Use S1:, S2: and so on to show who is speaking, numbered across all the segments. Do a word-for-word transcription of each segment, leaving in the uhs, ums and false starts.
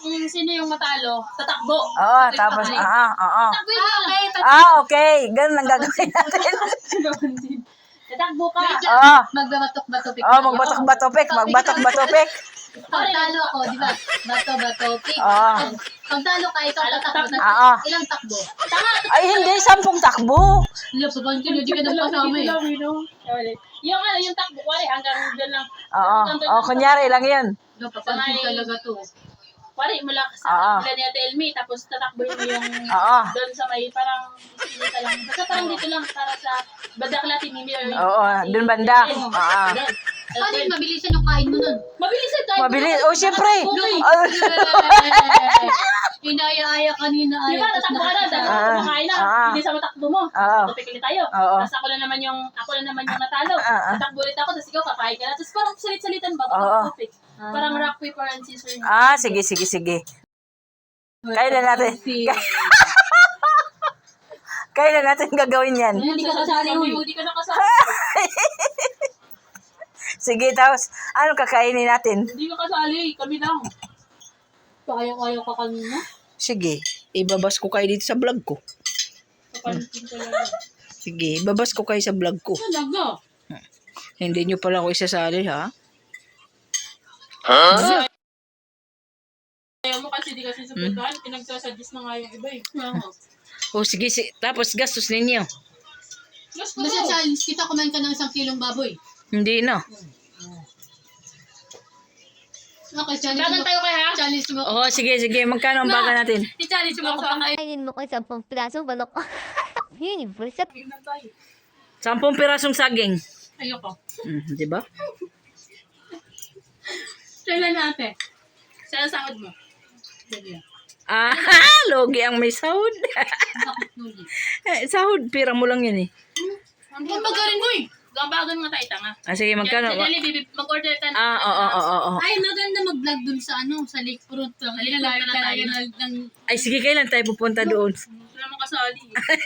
S1: kung sino yung matalo, tatakbo.
S2: Oo, tapos, ah, oo.
S1: Tatakbo yun. Okay,
S2: Ah, okay. Ganun ang gagawin natin.
S1: tatakbo ka.
S2: Oo.
S1: Magbabatok-batopik.
S2: Oo, magbatok-batopik. Magbatok-batopik.
S1: Pag talo ako, di ba? Bato-batopik.
S2: Oo.
S1: Pag talo ka, ikaw tatakbo.
S2: Oo.
S1: Ilang takbo? Tama.
S2: Ay, hindi. Sampung takbo.
S1: Hindi, papansin nyo, di ka na kasama eh. Yung ano, yung takbo, wari, hanggang doon lang.
S2: Oo. Oo, kunyari lang yun.
S1: Papansin talaga to. Wari, mula
S2: Oo.
S1: sa ilan niya Elmi, tapos tatakboy mo yung
S2: Oo.
S1: doon sa may parang dito lang. Basta parang dito lang para sa Badakla Timimi.
S2: Oo, dun banda. Oo.
S1: Paano yung mabilisan yung kain mo nun? Mabilisan tayo.
S2: Mabilis. Oh, siyempre.
S1: Inaya-aya kanina. Di ba, tatakbo ka na,
S2: Ah.
S1: kumakain na.
S2: Ah.
S1: Hindi sa matakbo mo.
S2: Oo.
S1: Tupik ulit tayo.
S2: Oo.
S1: Tapos ako na naman yung, ako na naman yung natalo.
S2: Ah.
S1: Tatakbo ulit ako, tapos ikaw kakain ka na. Tapos parang salit-salitan ba?
S2: Oo.
S1: Tupik. Parang rock, paper, and scissors.
S2: Ah, sige, sige, sige. Kailan natin? Kailan natin gagawin yan?
S1: Hindi ka kasali, hindi ka nakasali.
S2: Sige, tapos, ano kakainin natin?
S1: Hindi ka kasali, kami lang. Kaya-kaya ka kanina.
S2: Sige, ibabas ko kayo dito sa vlog ko.
S1: Kapansin ko lang.
S2: Sige, ibabas ko kayo sa vlog ko.
S1: Talaga?
S2: Hindi nyo pala ako isasali, ha?
S1: Ayaw mo kasi di kasi sa pagkain, pinagsasadis na nga yung iba eh.
S2: O, sige, si tapos gastos ninyo.
S1: Mas Basta challenge kita, kumain ka ng isang kilong baboy.
S2: Hindi na.
S1: Okay, challenge mo. tayo kaya ha? Challenge mo.
S2: Oo, sige, sige. Magkano ang baga natin?
S1: I-challenge mo ako pa kayo.
S3: Kainin mo ko isang pang pirasong balok. Yun, yung bullshit.
S2: Sampung pirasong saging.
S1: Ayoko.
S2: Hmm, di ba?
S1: Kailan natin? Saan ang sahod mo?
S2: Ah, logi ang may sahod.
S1: Bakit nuli?
S2: Eh, sahod, pira mo lang yan eh.
S1: Ang pagkarin mo eh. Gambagan nga tayo tanga.
S2: Ah, sige, magkano?
S1: Dali, bibi, mag-order ka na.
S2: Ah, oo, oo, oo, oo.
S1: Ay, maganda mag-vlog dun sa ano, sa lakefront. Sa lakefront na tayo. Ng,
S2: Ay, sige, kailan tayo pupunta doon?
S1: wala mo kasali.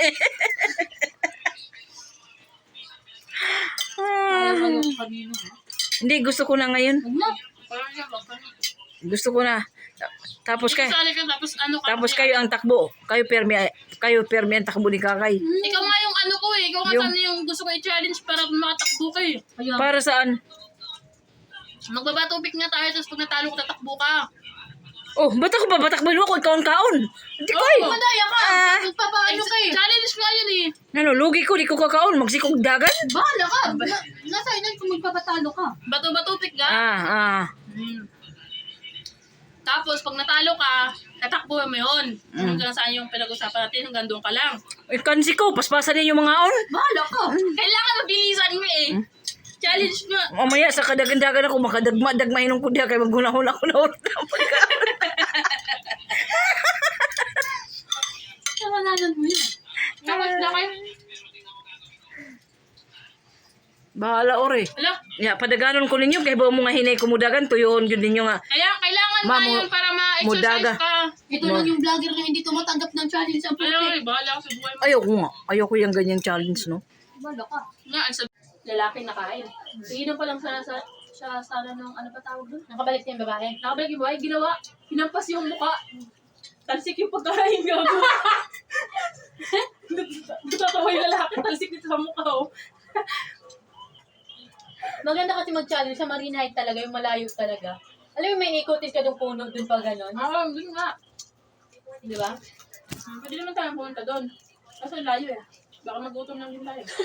S2: Ah,
S1: Kanino, ha?
S2: hindi, gusto ko na ngayon.
S1: Huwag na. Parang siya, wag ka na.
S2: Gusto ko na. Tapos kay
S1: Kasali ka, tapos ano ka.
S2: tapos kayo ang takbo. Kayo permi kayo permi ang takbo ni Kakay.
S1: Ikaw nga yung ano ko eh. Ikaw nga
S2: Yung-
S1: sana yung gusto ko i-challenge para makatakbo ka eh.
S2: Para saan?
S1: Magbabatubik nga tayo, tapos pag natalo ko, tatakbo ka.
S2: Oh, ba't ako ba? Batakbo ako, kaon-kaon. Hindi ko eh.
S1: Madaya ka.
S2: Ah.
S1: Magpapaano ka eh. Challenge nga yun eh.
S2: Ano, lugi ko, di ko kakaon. Magsikog dagat.
S1: Bahala ka. Na- nasa inan kung magpapatalo ka. Bato-batubik ka.
S2: Ah, ah.
S1: Hmm. Tapos, pag natalo ka, tatakbo mo yun.
S2: Mm.
S1: Hanggang saan yung pinag-usapan natin, hanggang doon ka lang.
S2: Eh, kansi ko, paspasan din yung mga on.
S1: Bahala ka. Kailangan mabilisan mo eh. Challenge nga.
S2: Mamaya sa kadagandagan ako, makadagma-dagmahin ng kudya kay maghunahon ako na oras ng pagkaon.
S1: Kamalanan mo yun. Tapos na kayo.
S2: Bahala ore.
S1: Hala,
S2: Ya, padaganon ko ninyo, kay ba mo nga hinay kumudagan, tuyoon yun ninyo nga.
S1: kaya kailangan
S2: Ma,
S1: nga
S2: mu-
S1: yun para ma-exercise
S2: mudaga.
S1: ka. Ito lang yung vlogger na hindi tumatanggap ng challenge ang puti. Ay, bahala ka sa buhay mo.
S2: Ayoko nga, ayoko yung ganyang challenge, no?
S1: Bahala ka. Nga, ang sabi. Lalaking nakain. Iinom pa lang sana sa siya sana nung ano pa tawag doon? Nakabalik niya yung babae. Nakabalik yung babae, ginawa. Hinampas yung mukha. Talsik yung pagkain gago. Natatawa yung lalaki, talsik dito sa mukha oh.
S4: Maganda kasi mag-challenge sa marine height talaga, yung malayo talaga. Alam mo, may ikotis ka doon puno doon pa gano'n.
S1: Ah, yun nga.
S4: Di ba?
S1: Pwede naman tayo pumunta doon. Kasi layo eh. Baka magutom lang din tayo.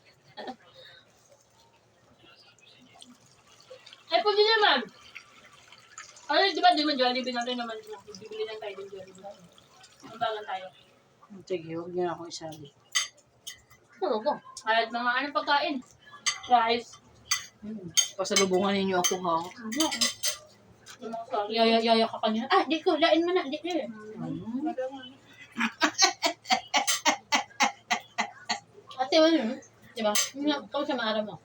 S1: Eh, pwede naman. Ano, di ba, di ba, Jollibee natin naman. Bibili lang tayo ng Jollibee. Magbagan tayo.
S2: Sige, huwag niyo ako isali.
S4: Oo ko.
S1: Kahit mga anong pagkain. Rice.
S2: Hmm. Pasalubungan ninyo ako, ha?
S1: Ano? Yung mga sabi.
S4: Yaya, yaya ka kanina. Ah, di ko, lain mo na. Di ko. Ate, ano yun? Di ba? Ikaw sa maara mo.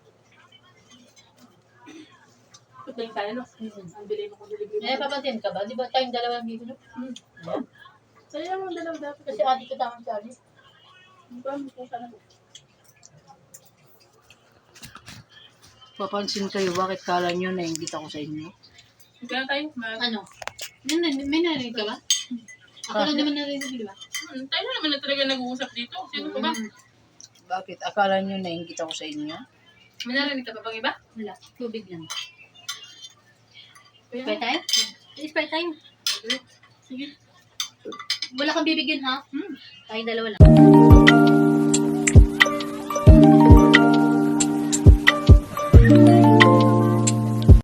S1: Pagkain tayo, no? Ang bilhin mo kung Jollibee.
S4: Eh, papansin ka ba? Di ba tayong dalawang dito? No?
S1: Hmm. Sa'yo yung dalaw dapat.
S4: Kasi ate ko tamang challenge.
S1: Hindi ba, kung saan ako.
S2: Papansin kayo, bakit kala nyo na ingit ako sa inyo?
S1: Magkano tayo? Mag-
S4: Ano? May, nan- may narinig ka ba? Ako lang naman narinig, di ba?
S1: Hmm, tayo na naman na talaga nag-uusap dito. Sino pa ba?
S2: Bakit? Akala nyo nainggit ako sa inyo?
S1: May narinig ka pa bang iba?
S4: Wala. Tubig lang.
S1: Kuya?
S4: Spray tayo? Spray tayo.
S1: Sige.
S4: Wala kang bibigyan ha? Hmm. Tayo dalawa lang.